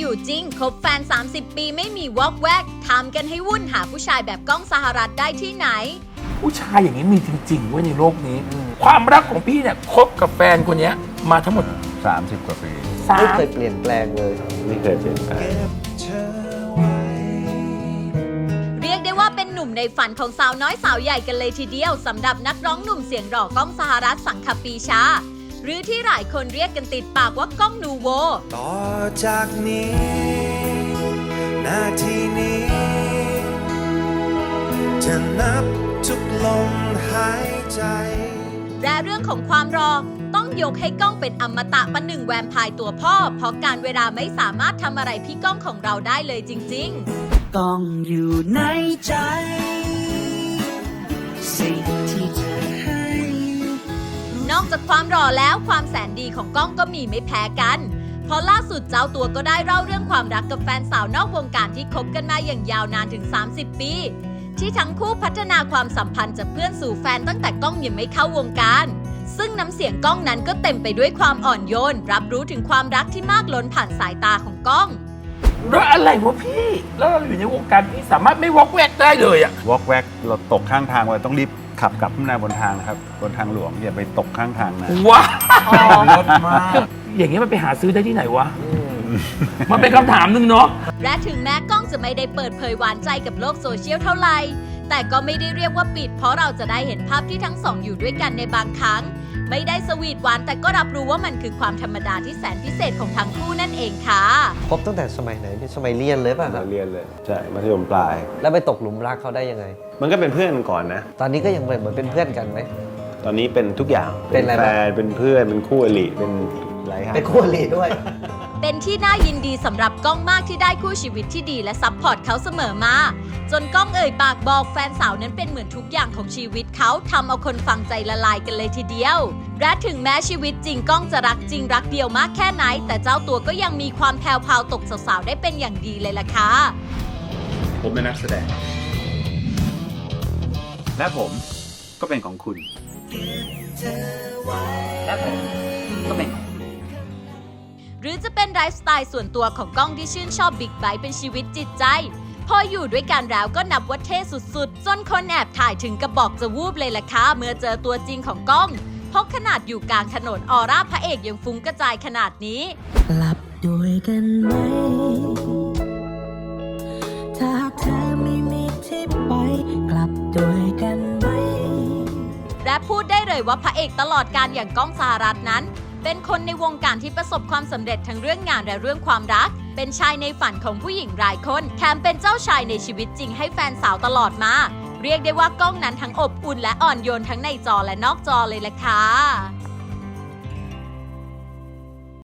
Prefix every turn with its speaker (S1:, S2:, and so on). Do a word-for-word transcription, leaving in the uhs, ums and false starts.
S1: อยู่จริงคบแฟนสามสิบปีไม่มีวอกแวกทำกันให้วุ่นหาผู้ชายแบบก้องสหรัฐได้ที่ไหน
S2: ผู้ชายอย่างนี้มีจริงๆเว้ยในโลกนี้ความรักของพี่เนี่ยคบกับแฟนคนนี้มาทั้งหมด
S3: สามสิบกว่าปี
S4: ไม่เคยเปลี่ยนแปลงเลย
S3: ไม่เคยเปลี่ยนแปลง
S1: เรียกได้ว่าเป็นหนุ่มในฝันของสาวน้อยสาวใหญ่กันเลยทีเดียวสำหรับนักร้องหนุ่มเสียงหล่อก้องสหรัฐสังคปีชาหรือที่หลายคนเรียกกันติดปากว่าก้องนูโว
S5: ต่อจากนี้นาทีนี้จะนับทุกลมหายใจ
S1: และเรื่องของความรอต้องยกให้ก้องเป็นอมตะประหนึ่งแวมไพร์ตัวพ่อเพราะการเวลาไม่สามารถทำอะไรพี่ก้องของเราได้เลยจริงๆ
S6: ก้องอยู่ในใจสิ่งที่เธอให้
S1: นอกจากความหล่อแล้วความแสนดีของก้องก็มีไม่แพ้กันเพราะล่าสุดเจ้าตัวก็ได้เล่าเรื่องความรักกับแฟนสาวนอกวงการที่คบกันมาอย่างยาวนานถึงสามสิบปีที่ทั้งคู่พัฒนาความสัมพันธ์จากเพื่อนสู่แฟนตั้งแต่ก้องยังไม่เข้าวงการซึ่งน้ำเสียงก้องนั้นก็เต็มไปด้วยความอ่อนโยนรับรู้ถึงความรักที่มากล้นผ่านสายตาของก้อง
S2: แล้วอะไรวะพี่แล้วเราอยู่ในวงการพี่สามารถไม่วอกแวกได้เลยอะ
S3: วอกแวกเราตกข้างทางไว้ต้องรีบขับกลับขึ้นมาบนทางนะครับบนทางหลวงอย่าไปตกข้างทางนะ
S2: ว้าวรถมากอย่างเงี้ยมันไปหาซื้อได้ที่ไหนวะมันเป็นคำถามหนึ่งเนาะ
S1: และถึงแม้ก้องจะไม่ได้เปิดเผยหวานใจกับโลกโซเชียลเท่าไหร่แต่ก็ไม่ได้เรียกว่าปิดเพราะเราจะได้เห็นภาพที่ทั้งสองอยู่ด้วยกันในบางครั้งไม่ได้สวีทหวานแต่ก็รับรู้ว่ามันคือความธรรมดาที่แสนพิเศษของทั้งคู่นั่นเองค่ะ
S4: พบตั้งแต่สมัยไหนสมัยเรียนเลยป่ะครับ
S3: เรียนเลยใช่มัธยมปลาย
S4: แล้วไปตกหลุมรักเขาได้ยังไง
S3: มันก็เป็นเพื่อนก่อนนะ
S4: ตอนนี้ก็ยังเหมือนเป็นเพื่อนกันไหม
S3: ตอนนี้เป็นทุกอย่าง
S4: เป็นอะไร
S3: แฟนเป็นเพื่อนเป็นคู่อริเป็นหลายอย่าง
S4: เป็นคู่อริด้วย
S1: เป็นที่น่ายินดีสำหรับก้องมากที่ได้คู่ชีวิตที่ดีและซัพพอร์ตเขาเสมอมาจนก้องเอ่ยปากบอกแฟนสาวนั้นเป็นเหมือนทุกอย่างของชีวิตเขาทำเอาคนฟังใจละลายกันเลยทีเดียวและถึงแม้ชีวิตจริงก้องจะรักจริงรักเดียวมากแค่ไหนแต่เจ้าตัวก็ยังมีความแพรวพราวตกสาวๆได้เป็นอย่างดีเลยล่ะค่ะ
S3: ผมเป็นนักแสดงและผมก็เป็นของคุณ
S1: และผมก็เป็นหรือจะเป็นไลฟ์สไตล์ส่วนตัวของก้องที่ชื่นชอบบิ๊กไบค์เป็นชีวิตจิตใจพออยู่ด้วยกันแล้วก็นับว่าเท่สุดๆจนคนแอบถ่ายถึงกระบอกจะวูบเลยล่ะค่ะเมื่อเจอตัวจริงของก้องเพราะขนาดอยู่กลางถนนออร่าพระเอกยังฟุ้งกระจายขนาดนี้
S6: หลับด้วยกันไหมถ้าเธอไม่มีที่ไปกลับด้วยกันไหม
S1: และพูดได้เลยว่าพระเอกตลอดการอย่างก้องสหรัฐนั้นเป็นคนในวงการที่ประสบความสำเร็จทั้งเรื่องงานและเรื่องความรักเป็นชายในฝันของผู้หญิงหลายคนแถมเป็นเจ้าชายในชีวิตจริงให้แฟนสาวตลอดมาเรียกได้ว่าก้องนั้นทั้งอบอุ่นและอ่อนโยนทั้งในจอและนอกจอเลยแหละค่ะ